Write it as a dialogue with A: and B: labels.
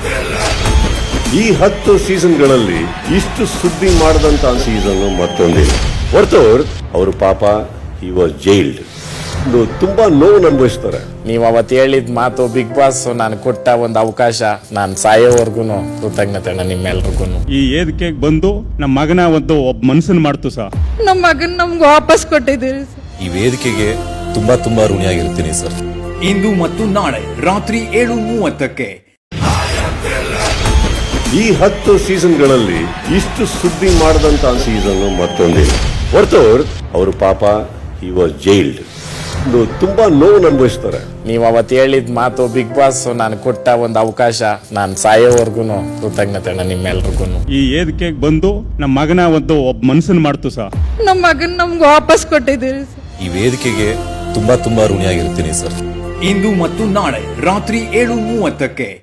A: ಈ 10 ಸೀಸನ್ಗಳಲ್ಲಿ ಇಷ್ಟು ಸುದ್ದಿ ಮಾಡದಂತ ಸೀಸನ್ ಮತ್ತೊಂದಿಲ್ಲ. ಹೊರತು ಅವರು ಪಾಪ ಹಿ ವಾಸ್ ಜೈಲ್ಡ್. ತುಂಬಾ ನೋವು ಅನುಭವಿಸ್ತಾರೆ.
B: ನೀವು ಅವತ್ತು ಹೇಳಿದ ಮಾತು ಬಿಗ್ ಬಾಸ್ ನಾನು ಕೊಟ್ಟ ಒಂದು ಅವಕಾಶ, ನಾನು ಸಾಯೋವರೆಗೂ ಕೃತಜ್ಞತೆ ನಿಮ್ಮೆಲ್ರಿಗೂ.
C: ಈ ವೇದಿಕೆಗೆ ಬಂದು ನಮ್ಮ ಮಗನ ಒಬ್ಬ ಮನಸ್ಸನ್ನು ಮಾಡ್ತು ಸರ್.
D: ನಮ್ಮ ಮಗನ್ ನಮ್ಗೆ ವಾಪಸ್ ಕೊಟ್ಟಿದ್ದೀರಿ.
E: ಈ ವೇದಿಕೆಗೆ ತುಂಬಾ ಋಣಿಯಾಗಿರ್ತೀನಿ ಸರ್.
F: ಇಂದು ಮತ್ತು ನಾಳೆ ರಾತ್ರಿ 7:30ಕ್ಕೆ
A: ಈ 10 ಸೀಸನ್ಗಳಲ್ಲಿ ಇಷ್ಟು ಸುದ್ದಿ ಮಾಡದಂತ ಸೀಸನ್ ಮತ್ತೊಂದಿಲ್ಲ. ಹೊರತು ಅವರು ಪಾಪ ಹಿ ವಾಸ್ ಜೈಲ್ಡ್. ತುಂಬಾ ನೋವು ಅನುಭವಿಸ್ತಾರೆ.
B: ನೀವು ಅವತ್ತು ಹೇಳಿದ ಮಾತು ಬಿಗ್ ಬಾಸ್ ನಾನು ಕೊಟ್ಟ ಒಂದು ಅವಕಾಶ, ನಾನು ಸಾಯೋವರೆಗೂ ಕೃತಜ್ಞತೆ ನಿಮ್ಮೆಲ್ರಿಗೂ.
C: ಈ ವೇದಿಕೆಗೆ ಬಂದು ನಮ್ಮ ಮಗನ ಒಬ್ಬ ಮನಸ್ಸನ್ನು ಮಾಡ್ತು ಸರ್.
D: ನಮ್ಮ ಮಗನ್ ನಮ್ಗೆ ವಾಪಸ್ ಕೊಟ್ಟಿದ್ದೀರಿ.
E: ಈ ವೇದಿಕೆಗೆ ತುಂಬಾ ಋಣಿಯಾಗಿರ್ತೀನಿ ಸರ್.
F: ಇಂದು ಮತ್ತು ನಾಳೆ ರಾತ್ರಿ 7:30ಕ್ಕೆ